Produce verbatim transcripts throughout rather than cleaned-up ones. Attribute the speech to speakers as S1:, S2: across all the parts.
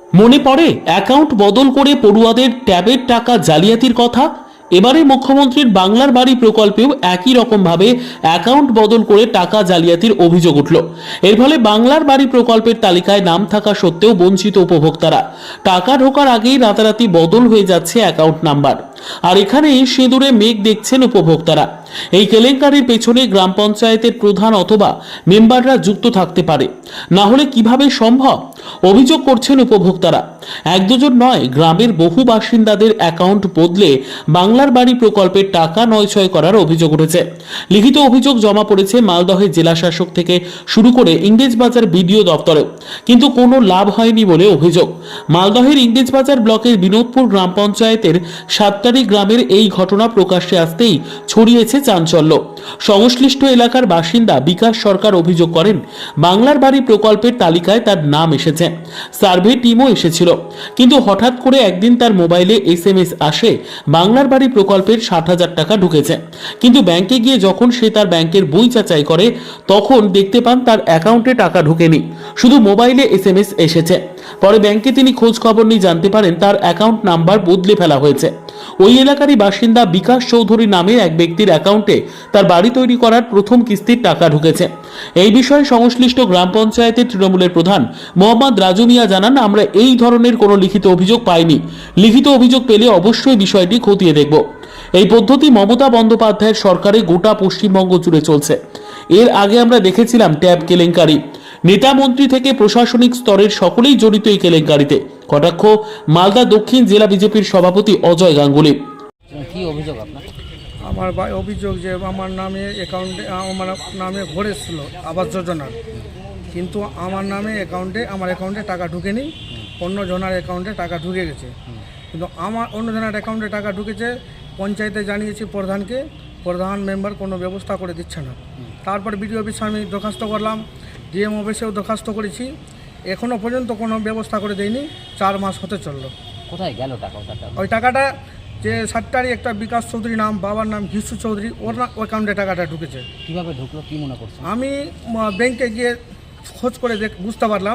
S1: মনে পড়ে অ্যাকাউন্ট বদল করে পড়ুয়াদের ট্যাবের টাকা জালিয়াতির কথা। এবারে মুখ্যমন্ত্রীর বাংলার বাড়ি প্রকল্পেও একই রকমভাবে অ্যাকাউন্ট বদল করে টাকা জালিয়াতির অভিযোগ উঠল। এর ফলে বাংলার বাড়ি প্রকল্পের তালিকায় নাম থাকা সত্ত্বেও বঞ্চিত উপভোক্তারা। টাকা ঢোকার আগেই রাতারাতি বদল হয়ে যাচ্ছে অ্যাকাউন্ট নাম্বার। আর এখানে সিঁদুরে মেঘ দেখছেন উপভোক্তারা। এই কেলেঙ্কারির পেছনে গ্রাম পঞ্চায়েতের প্রধান অথবা মেম্বাররা যুক্ত থাকতে পারে, না হলে কিভাবে সম্ভব? অভিযোগ করছেন উপভোক্তারা। এক দুজন নয়, গ্রামের বহু বাসিন্দাদের অ্যাকাউন্ট বদলে বাংলার বাড়ি প্রকল্পের টাকা নয়ছয় করার অভিযোগ উঠেছে। লিখিত অভিযোগ জমা পড়েছে মালদহের জেলা শাসক থেকে শুরু করে ইংরেজবাজার বিডিও দপ্তরে, কিন্তু কোনো লাভ হয়নি বলে অভিযোগ। মালদহের ইংরেজবাজার ব্লকের বিনোদপুর গ্রাম পঞ্চায়েতের সাতটারি গ্রামের এই ঘটনা প্রকাশ্যে আসতেই ছড়িয়েছে চাঞ্চল্য। সংশ্লিষ্ট এলাকার বাসিন্দা বিকাশ সরকার অভিযোগ করেন, বাংলার বাড়ি প্রকল্পের তালিকায় তার নাম এসেছে, সার্ভে টিমও এসেছিল, কিন্তু হঠাৎ করে একদিন তার মোবাইলে এস এম এস আসে বাংলার বাড়ি প্রকল্পের ষাট হাজার টাকা ঢুকেছে। কিন্তু ব্যাংকে গিয়ে যখন সে তার ব্যাংকের বই যাচাই করে তখন দেখতে পান তার অ্যাকাউন্টে টাকা ঢোকেনি, শুধু মোবাইলে এস এম এস এসেছে। পরে ব্যাংকে তিনি খোঁজ খবর নিয়ে জানতে পারেন তার অ্যাকাউন্ট নাম্বার বদলে ফেলা হয়েছে। ওই এলাকারই বাসিন্দা বিকাশ চৌধুরী নামের এক ব্যক্তির অ্যাকাউন্টে তার বাড়ি তৈরি করার প্রথম কিস্তির টাকা ঢুকেছে। এই বিষয়ে সংশ্লিষ্ট গ্রাম পঞ্চায়েতের তৃণমূলের প্রধান মোহাম্মদ রাজু মিয়া জানান, আমরা এই ধরনের কোনো লিখিত অভিযোগ পাইনি। লিখিত অভিযোগ পেলে অবশ্যই বিষয়টি খতিয়ে দেখব। এই পদ্ধতি মমতা বন্দ্যোপাধ্যায়ের সরকারে গোটা পশ্চিমবঙ্গ জুড়ে চলছে। এর আগে আমরা দেখেছিলাম ট্যাব কেলেঙ্কারি। নেতা মন্ত্রী থেকে প্রশাসনিক স্তরের সকলেই জড়িত এই কেলেঙ্কারিতে। কটাক্ষ মালদা দক্ষিণ জেলা বিজেপির সভাপতি অজয় গাঙ্গুলি।
S2: কি অভিযোগ আপনার?
S3: আমার ভাই অভিযোগ যে আমার নামে অ্যাকাউন্টে আমার নামে ভরেছিল আবাস যোজনার, কিন্তু আমার নামে অ্যাকাউন্টে আমার অ্যাকাউন্টে টাকা ঢুকেনি, অন্য জনের অ্যাকাউন্টে টাকা ঢুকে গেছে। কিন্তু আমার অন্য জনের অ্যাকাউন্টে টাকা ঢুকেছে, পঞ্চায়েতে জানিয়েছি প্রধানকে, প্রধান মেম্বার কোনো ব্যবস্থা করে দিচ্ছে না। তারপর বিডিও অফিসে আমি দরখাস্ত করলাম, ডিএম অফিসেও দরখাস্ত করেছি, এখনও পর্যন্ত কোনো ব্যবস্থা করে দেয়নি। চার মাস হতে চললো।
S2: কোথায় গেল টাকা?
S3: ওই টাকাটা যে সাতটারই একটা বিকাশ চৌধুরী নাম, বাবার নাম ঘিসু চৌধুরী, ওর না অ্যাকাউন্টে টাকাটা ঢুকেছে।
S2: কীভাবে ঢুকলো কি মনে করছেন?
S3: আমি ব্যাংকে গিয়ে খোঁজ করে দেখ বুঝতে পারলাম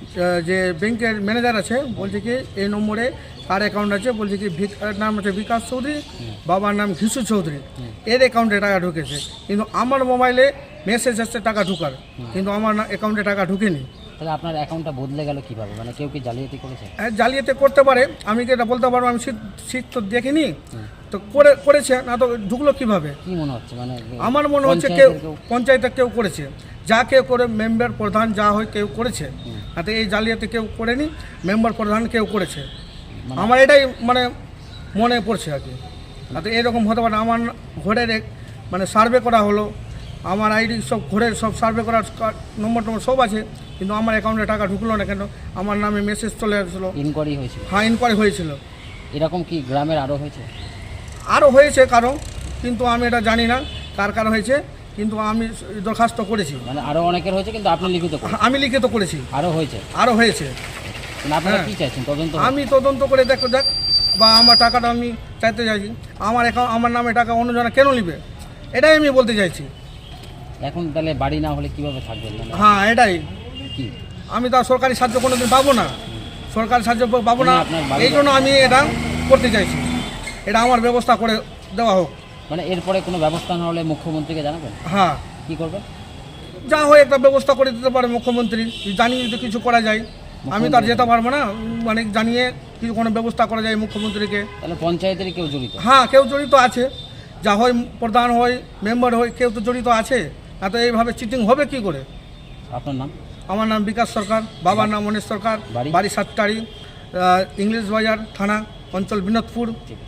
S3: যে ব্যাংকের ম্যানেজার আছে, বলছে কি এই নম্বরে তার অ্যাকাউন্ট আছে, বলছে কি নাম হচ্ছে বিকাশ চৌধুরী, বাবার নাম ঘিসু চৌধুরী, এর অ্যাকাউন্টে টাকা ঢুকেছে। কিন্তু আমার মোবাইলে মেসেজ আসছে টাকা ঢুকার, কিন্তু আমার অ্যাকাউন্টে টাকা ঢুকেনি।
S2: তাহলে আপনার অ্যাকাউন্টটা বদলে গেল কিভাবে? মানে কেউ কি জালিয়াতি করেছে?
S3: হ্যাঁ, জালিয়াতি করতে পারে, আমি কি এটা বলতে পারবো? আমি শীত শীত তো দেখিনি, তো করে করেছে না তো ঢুকলো কিভাবে?
S2: কি মনে হচ্ছে? মানে
S3: আমার মনে হচ্ছে কেউ পঞ্চায়েতে কেউ করেছে, যা কেউ করে মেম্বার প্রধান যা হয় কেউ করেছে, তাতে এই জালিয়াতি কেউ করেনি, মেম্বার প্রধান কেউ করেছে। আমার এটাই মানে মনে পড়ছে আর কি। তাতে এরকম হতে পারে। আমার ঘরের মানে সার্ভে করা হলো, আমার আইডি সব ঘরের সব সার্ভে করার নম্বর টম্বর সব আছে, কিন্তু আমার অ্যাকাউন্টে টাকা ঢুকলো না কেন? আমার নামে মেসেজ চলে আসলো।
S2: ইনকোয়ারি হয়েছিল?
S3: হ্যাঁ, ইনকোয়ারি হয়েছিল।
S2: এরকম কি গ্রামের আরও হয়েছে?
S3: আরও হয়েছে কারো, কিন্তু আমি এটা জানি না কার কার হয়েছে, কিন্তু আমি দরখাস্ত করেছি।
S2: মানে আরও অনেকের হয়েছে, কিন্তু আপনি লিখিত করেছেন?
S3: আমি লিখিত করেছি।
S2: আরও হয়েছে?
S3: আরও হয়েছে।
S2: আপনারা কি চাইছেন? তদন্ত?
S3: আমি তদন্ত করে দেখো দেখ, বা আমার টাকাটা আমি চাইতে চাইছি। আমার অ্যাকাউন্ট আমার নামে টাকা অন্যজনে কেন নিবে, এটাই আমি বলতে চাইছি।
S2: এখন তাহলে বাড়ি না হলে কিভাবে থাকবেন?
S3: হ্যাঁ, এটাই।
S2: কি
S3: আমি তো সরকারি সাহায্য কোনোদিন পাবো না, সরকারি সাহায্য পাবো না, এই জন্য আমি এটা করতে চাইছি। এটা আমার ব্যবস্থা করে দেওয়া হোক।
S2: মানে এরপরে কোনো ব্যবস্থা না হলে মুখ্যমন্ত্রীকে জানাবেন?
S3: হ্যাঁ।
S2: কি করবেন?
S3: যা হয় একটা ব্যবস্থা করে দিতে পারে মুখ্যমন্ত্রী, জানিয়ে যদি কিছু করা যায়। আমি তো আর যেতে পারবো না, মানে জানিয়ে কিছু কোনো ব্যবস্থা করা যায় মুখ্যমন্ত্রীকে।
S2: তাহলে পঞ্চায়েতের কেউ জড়িত?
S3: হ্যাঁ, কেউ জড়িত আছে, যা হয় প্রধান হয় মেম্বার হয়, কেউ তো জড়িত আছে। না তো এইভাবে চিটিং হবে কি করে?
S2: আপনার নাম?
S3: আমার নাম বিকাশ সরকার, বাবার নাম মনীশ সরকার, বাড়ি সাতটারি, ইংরেজবাজার থানা, অঞ্চল বিনোদপুর।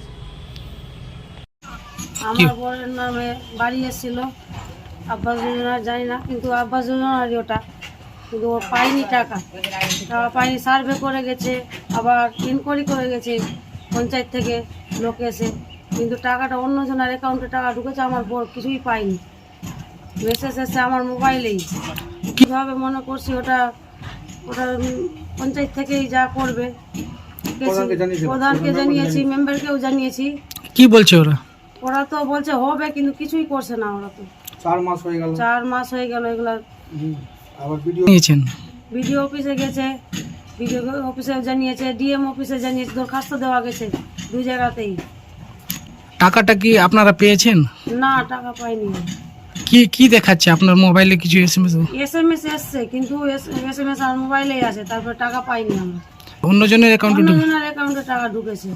S4: আমার বরের নামে বাড়ি এসেছিল আবাস যোজনা, জানি না, কিন্তু আবাস যোজনারই ওটা, কিন্তু ও পায়নি টাকা, টাকা পায়নি। সার্ভে করে গেছে, আবার ইনকোয়ারি করে গেছে পঞ্চায়েত থেকে লোক এসে, কিন্তু টাকাটা অন্য জনের অ্যাকাউন্টে টাকা ঢুকেছে, আমার বর কিছুই পায়নি। মেসেজ এসে আমার মোবাইলেই, কীভাবে মনে করছি ওটা ওটা পঞ্চায়েত থেকেই যা করবে। প্রধানকে জানিয়েছি, মেম্বারকেও জানিয়েছি।
S5: কি বলছে ওরা?
S4: ওরা তো বলছে হবে, কিন্তু কিছুই করছে না। ওরা তো
S3: চার মাস হয়ে গেল
S4: চার মাস হয়ে গেল এগুলা।
S5: নিয়েছেন?
S4: বিডিও অফিসে গেছে, বিডিও অফিসে জানিয়েছে, ডিএম অফিসে জানিয়েছে, দরখাস্ত দেওয়া গেছে দুই জায়গাতেই।
S5: টাকাটা কি আপনারা পেয়েছেন?
S4: না, টাকা পাইনি।
S5: কি কি দেখাচ্ছে আপনার মোবাইলে কিছু এসএমএস?
S4: এস এম এস এসছে, কিন্তু এস এম এস আর মোবাইলেই আছে, তারপর টাকা পাইনি আমরা।
S5: অন্যজনের অ্যাকাউন্টে
S4: অন্যজনের অ্যাকাউন্টে টাকা ঢুকেছে।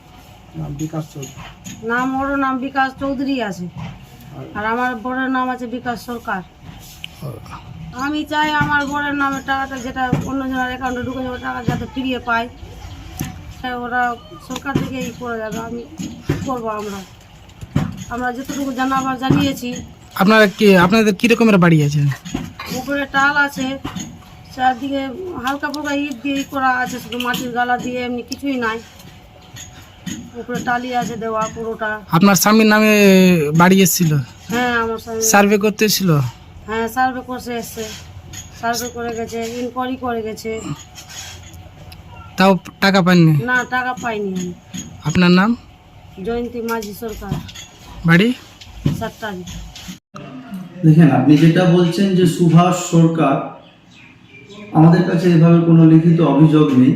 S4: নাম ওর নাম বিকাশ চৌধুরী আছে, আর আমার বড়ের নাম আছে বিকাশ সরকার। আমি চাই আমার বড়ের নামে টাকাটা যেটা অন্যজনের অ্যাকাউন্টে ঢুকে যাবে, টাকা যাতে ফিরিয়ে পাই। ওরা সরকার থেকে ই করে যাবে, আমি কী করবো? আমরা আমরা যতটুকু জানাবার জানিয়েছি।
S5: আপনারা কি আপনাদের কি রকমের বাড়ি আছে?
S4: উপরে টাল আছে, চারদিকে হালকা ফুলকা ইট দিয়ে ই করা আছে, শুধু মাটির গালা দিয়ে, এমনি কিছুই নাই। উপরে টালি আছে দেওয়া পুরোটা।
S5: আপনার স্বামীর নামে বাড়ি এসেছিল?
S4: হ্যাঁ, আমার স্বামী
S5: সার্ভে করতে এসেছিল?
S4: হ্যাঁ, সার্ভে করতে এসছে, সার্ভে করে গেছে, ইনকোয়ারি করে গেছে।
S5: তাও টাকা পাননি?
S4: না, টাকা পাইনি আমি।
S5: আপনার নাম?
S4: জয়ন্তী মাঝি সরকার,
S5: বাড়ি
S4: সাতটারি।
S6: দেখেন, আপনি যেটা বলছেন যে সুভাষ সরকার, আমাদের কাছে এভাবে কোনো লিখিত অভিযোগ নেই।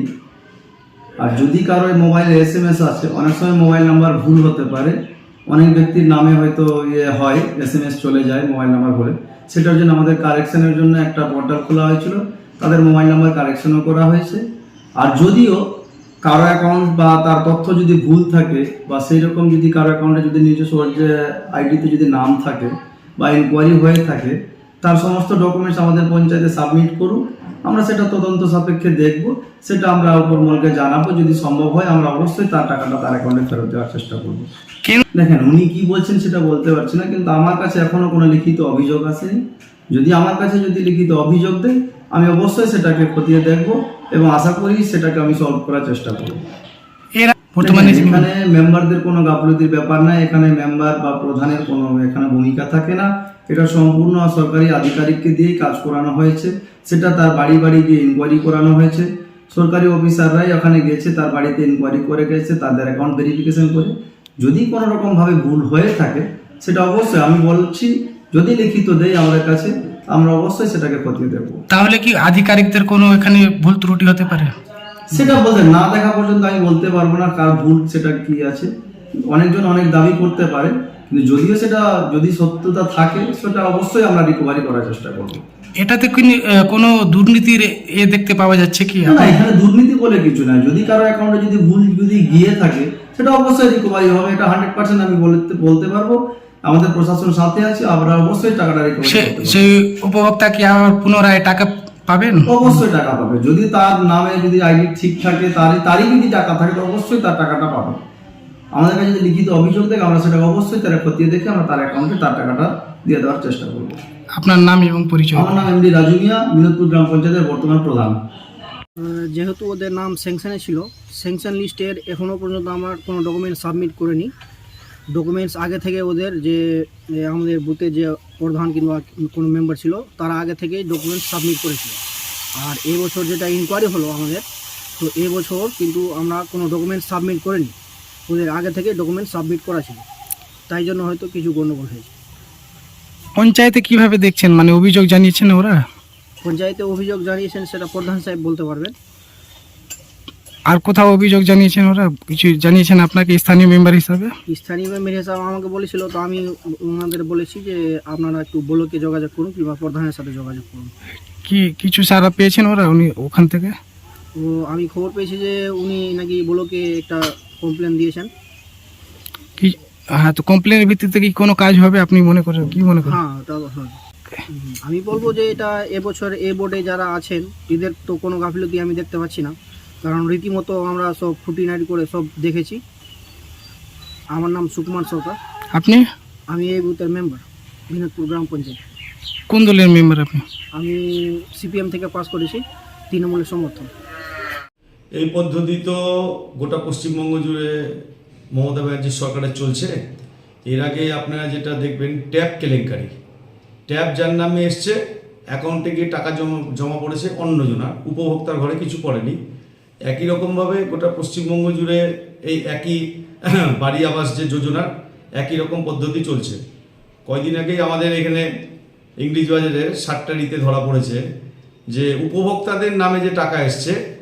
S6: আর যদি কারো মোবাইলে এস এম এস আছে, অনেক সময় মোবাইল নাম্বার ভুল হতে পারে, অনেক ব্যক্তির নামে হয়তো ইয়ে হয়, এস এম এস চলে যায় মোবাইল নাম্বার বলে। সেটার জন্য আমাদের কারেকশনের জন্য একটা পোর্টাল খোলা হয়েছিল, তাদের মোবাইল নাম্বার কারেকশনও করা হয়েছে। আর যদিও কারো অ্যাকাউন্ট বা তার তথ্য যদি ভুল থাকে, বা সেই রকম যদি কারো অ্যাকাউন্টে যদি নিজস্ব যে আইডিতে যদি নাম থাকে বা ইনকোয়ারি হয়ে থাকে, তার সমস্ত ডকুমেন্টস আমাদের পঞ্চায়েতে সাবমিট করুন, আমরা সেটা তদন্ত সাপেক্ষে দেখব, সেটা আমরা উপরমহলকে জানাবো। যদি সম্ভব হয় আমরা অবশ্যই তার টাকাটা তার অ্যাকাউন্টে ফেরত দেওয়ার চেষ্টা করবো। দেখেন, উনি কি বলছেন সেটা বলতে পারছি না, কিন্তু আমার কাছে এখনো কোনো লিখিত অভিযোগ আসেনি। যদি আমার কাছে যদি লিখিত অভিযোগ দেয়, আমি অবশ্যই সেটাকে খতিয়ে দেখব এবং আশা করি সেটাকে আমি সলভ করার চেষ্টা করব।
S5: এরা বর্তমানে
S6: এখানে মেম্বারদের কোনো গাফলতির ব্যাপার নাই, এখানে মেম্বার বা প্রধানের কোনো এখানে ভূমিকা থাকে না। এটা সম্পূর্ণ সরকারি আধিকারিককে দিয়েই কাজ করানো হয়েছে। সেটা তার বাড়ি বাড়ি গিয়ে ইনকোয়ারি করানো হয়েছে, সরকারি অফিসাররাই ওখানে গেছে, তার বাড়িতে ইনকোয়ারি করে গেছে, তাদের অ্যাকাউন্ট ভেরিফিকেশন করে। যদি কোনো রকমভাবে ভুল হয়ে থাকে, সেটা অবশ্যই আমি বলছি, যদি লিখিত দেয় আমাদের কাছে, আমরা অবশ্যই সেটাকে খতিয়ে দেখব।
S5: তাহলে কি আধিকারিকদের কোনো এখানে ভুল ত্রুটি হতে পারে?
S6: সেটা বলতে না দেখা পর্যন্ত আমি বলতে পারবো না কার ভুল সেটা কি আছে। অনেকজন অনেক দাবি করতে পারে, কিন্তু যদিও সেটা যদি সত্যতা থাকে, সেটা অবশ্যই আমরা রিকভারি করার চেষ্টা করবো।
S5: এটাতে কি আহ, কোনো দুর্নীতির এ দেখতে পাওয়া যাচ্ছে কি?
S6: না, এখানে দুর্নীতি বলে কিছু নাই। যদি কারো অ্যাকাউন্টে যদি ভুল যদি গিয়ে থাকে, সেটা অবশ্যই রিকভারি হবে, এটা হান্ড্রেড পার্সেন্ট আমি বলতে বলতে পারবো। আমাদের প্রশাসন সাথে আছে, আমরা অবশ্যই টাকাটা রিকভারি
S5: সে
S6: করতে পারবো।
S5: সেই উপভোক্তা কি আবার পুনরায় টাকা পাবেন?
S6: অবশ্যই টাকা পাবে। যদি তার নামে যদি আইডি ঠিক থাকে, তারই তারই যদি টাকা থাকে, তো অবশ্যই তার টাকাটা পাবে। আমাদের কাছে যদি লিখিত অভিযোগ দেখে, আমরা সেটাকে অবশ্যই তারা খতিয়ে দেখে আমরা তার অ্যাকাউন্টে তার টাকাটা দিয়ে দেওয়ার চেষ্টা করবো।
S5: আপনার নাম এবং পরিচয়?
S6: আমার নাম এমডি রাজু মিয়া, বিনোদপুর গ্রাম পঞ্চায়েতের বর্তমান প্রধান।
S7: যেহেতু ওদের নাম স্যাংশনে ছিল, স্যাংশন লিস্টের এখনও পর্যন্ত আমার কোনো ডকুমেন্টস সাবমিট করিনি। ডকুমেন্টস আগে থেকে ওদের যে যে আমাদের বুথে যে প্রধান কিংবা কোনো মেম্বার ছিল, তারা আগে থেকেই ডকুমেন্টস সাবমিট করেছিল। আর এই বছর যেটা ইনকোয়ারি হলো আমাদের, তো এই বছর কিন্তু আমরা কোনো ডকুমেন্টস সাবমিট করিনি। ওদের আগে থেকে ডকুমেন্টস সাবমিট করা ছিল, তাই জন্য হয়তো কিছু গণ্ডগোল হয়েছে।
S5: পঞ্চায়েতে কিভাবে দেখছেন, মানে অভিযোগ জানিয়েছেন ওরা?
S7: পঞ্চায়েতে অভিযোগ জানিয়েছেন সেটা প্রধান সাহেব বলতে পারবেন।
S5: আর কোথাও অভিযোগ জানিয়েছেন ওরা? কিছু জানিয়েছেন আপনাকে স্থানীয় মেম্বার হিসাবে?
S7: স্থানীয় মেম্বার হিসাবে আমাকে বলেছিল, তো আমি ওনাদের বলেছি যে আপনারা একটু ব্লকে যোগাযোগ করুন কিংবা প্রধানের সাথে যোগাযোগ করুন।
S5: কি কিছু সারা পেয়েছেন ওরা উনি ওখান থেকে?
S7: তো আমি খবর পেয়েছি যে উনি নাকি ব্লকে একটা কমপ্লেন দিয়েছেন।
S5: কি হ্যাঁ, তো কমপ্লেনের ভিত্তিতে কি কোনো কাজ হবে আপনি মনে করেন? কি মনে করেন?
S7: হ্যাঁ, ওটা হ্যাঁ। হুম, আমি বলবো যে এটা এবছর এ বোর্ডে যারা আছেন, এদের তো কোনো গাফিলতি আমি দেখতে পাচ্ছি না, কারণ রীতিমতো আমরা সব খুঁটিনাটি করে সব দেখেছি। আমার নাম সুকুমার সরকার।
S5: আপনি?
S7: আমি এই বুথের মেম্বার, বিনোদপুর গ্রাম পঞ্চায়েত।
S5: কোন দলের মেম্বার আপনি?
S7: আমি সিপিএম থেকে পাস করেছি, তৃণমূলের সমর্থন।
S8: এই পদ্ধতি তো গোটা পশ্চিমবঙ্গ জুড়ে মমতা ব্যানার্জির সরকারের চলছে। এর আগে আপনারা যেটা দেখবেন, ট্যাব কেলেঙ্কারি, ট্যাব যার নামে এসছে, অ্যাকাউন্টে গিয়ে টাকা জমা জমা পড়েছে অন্যজনা, উপভোক্তার ঘরে কিছু পড়েনি। একই রকমভাবে গোটা পশ্চিমবঙ্গ জুড়ে এই একই বাড়ি আবাস যে যোজনার একই রকম পদ্ধতি চলছে। কয়দিন আগেই আমাদের এখানে ইংলিশ বাজারে সাতটারিতে ধরা পড়েছে যে উপভোক্তাদের নামে যে টাকা এসছে,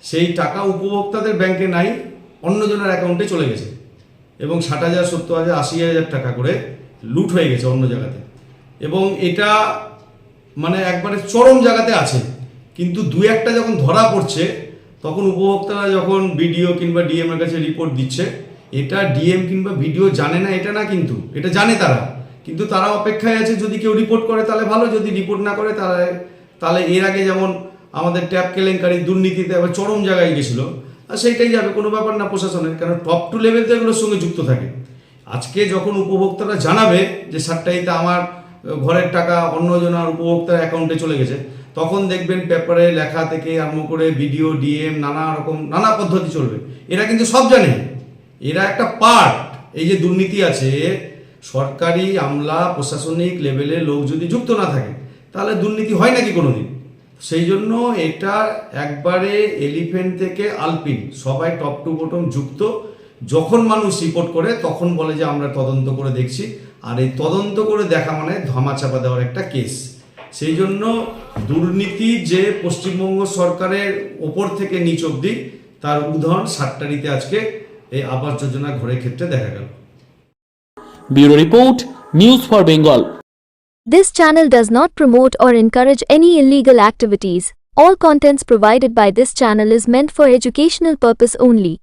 S8: সেই টাকা উপভোক্তাদের ব্যাংকে নাই, অন্যজনের অ্যাকাউন্টে চলে গেছে এবং ষাট হাজার সত্তর হাজার আশি হাজার টাকা করে লুট হয়ে গেছে অন্য জায়গাতে। এবং এটা মানে একবারে চরম জায়গাতে আছে, কিন্তু দু একটা যখন ধরা পড়ছে তখন উপভোক্তারা যখন বিডিও কিংবা ডিএম এর কাছে রিপোর্ট দিচ্ছে, এটা ডিএম কিংবা বিডিও জানে না এটা না, কিন্তু এটা জানে তারা, কিন্তু তারা অপেক্ষায় আছে যদি কেউ রিপোর্ট করে তাহলে ভালো, যদি রিপোর্ট না করে তাহলে তাহলে এর আগে যেমন আমাদের ট্যাপ কেলেঙ্কারি দুর্নীতিতে আবার চরম জায়গায় গেছিলো, আর সেইটাই যাবে, কোনো ব্যাপার না প্রশাসনের, কারণ টপ টু লেভেল তো এগুলোর সঙ্গে যুক্ত থাকে। আজকে যখন উপভোক্তারা জানাবে যে সাতটাইতে আমার ঘরের টাকা অন্যজনের উপভোক্তার অ্যাকাউন্টে চলে গেছে, তখন দেখবেন পেপারে লেখা থেকে আরম্ভ করে বিডিও ডিএম নানা রকম নানা পদ্ধতি চলবে। এরা কিন্তু সব জানে, এরা একটা পার্ট। এই যে দুর্নীতি আছে, সরকারি আমলা প্রশাসনিক লেভেলে লোক যদি যুক্ত না থাকে তাহলে দুর্নীতি হয় নাকি কোনোদিন? সেই জন্য এটা একবারে এলিফেন্ট থেকে আলপিন সবাই টপ টু বটম যুক্ত। যখন মানুষ রিপোর্ট করে তখন বলে যে আমরা তদন্ত করে দেখছি, আর এই তদন্ত করে দেখা মানে ধামাচাপা দেওয়ার একটা কেস। সেই জন্য দুর্নীতি যে পশ্চিমবঙ্গ সরকারের ওপর থেকে নিচ অবধি, তার উদাহরণ সাতটারিতে আজকে এই আবাস যোজনা ঘরের ক্ষেত্রে দেখা গেল।
S1: Bureau report, news for Bengal.
S9: This channel does not promote or encourage any illegal activities. All contents provided by this channel is meant for educational purpose only.